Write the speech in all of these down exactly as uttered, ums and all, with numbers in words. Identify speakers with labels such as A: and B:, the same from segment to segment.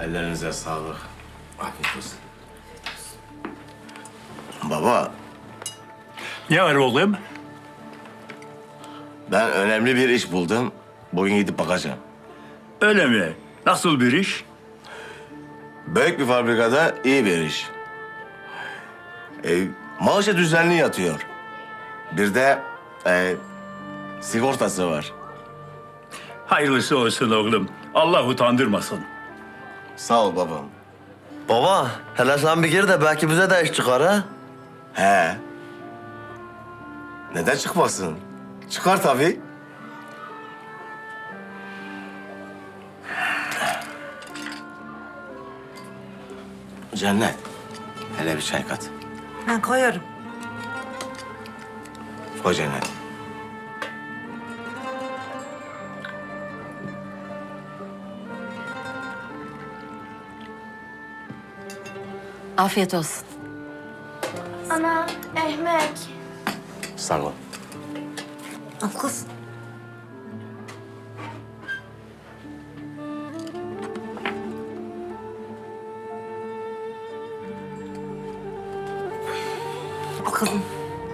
A: Ellerinize sağlık. Afiyet olsun. Baba,
B: Ne var oğlum?
A: ben önemli bir iş buldum. Bugün gidip bakacağım.
B: Öyle mi? Nasıl bir iş?
A: Büyük bir fabrikada iyi bir iş. E, maaşı düzenli yatıyor. Bir de e, sigortası var.
B: Hayırlısı olsun oğlum. Allah utandırmasın.
A: Sağ ol babam.
C: Baba, hele sen bir gir de belki bize de iş çıkar ha?
A: He. Neden çıkmasın? Çıkar tabii. Cennet, hele bir çay kat.
D: Ben koyarım.
A: Koy Cennet.
E: Afiyet olsun.
F: Ana, ekmek.
A: Sağ ol.
D: Al kız. Al kızım.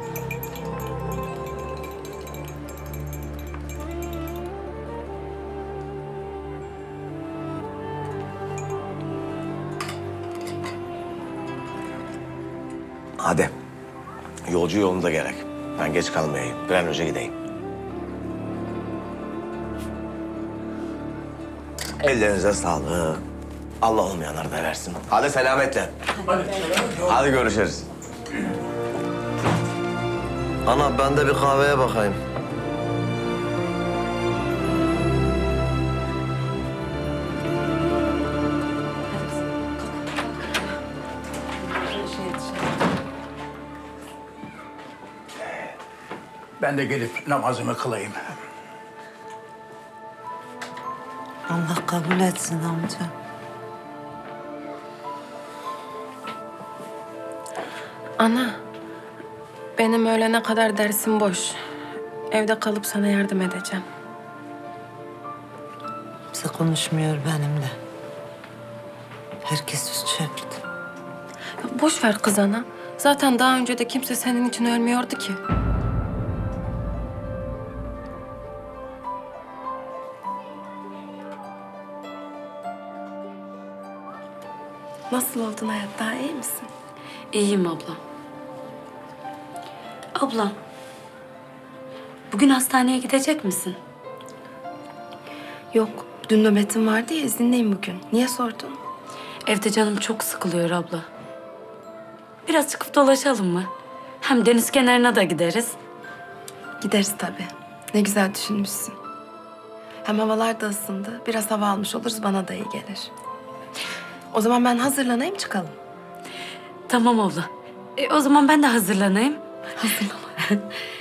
A: Hadi. Yolcu yolunda gerek. Ben geç kalmayayım. Bir an önce gideyim. Ellerinize sağlık. Allah olmayanları da versin. Hadi selametle.
B: Hadi.
A: Hadi görüşürüz.
C: Ana ben de bir kahveye bakayım.
B: Ben de gelip namazımı kılayım.
D: Allah kabul etsin amca.
E: Ana, benim öğlene kadar dersim boş. Evde kalıp sana yardım edeceğim.
D: Kimse konuşmuyor benimle. Herkes üst çevirdi.
E: Ya boş ver kız ana. Zaten daha önce de kimse senin için ölmüyordu ki. Nasıl oldun hayat? Daha iyi misin?
G: İyiyim abla. Abla, bugün hastaneye gidecek misin?
E: Yok. Dün nöbetim vardı ya, izinliyim bugün. Niye sordun?
G: Evde canım çok sıkılıyor abla. Biraz çıkıp dolaşalım mı? Hem deniz kenarına da gideriz.
E: Gideriz tabii. Ne güzel düşünmüşsün. Hem havalar da ısındı. Biraz hava almış oluruz, bana da iyi gelir. O zaman ben hazırlanayım, çıkalım.
G: Tamam abla. E, o zaman ben de hazırlanayım.
E: Hazırlan.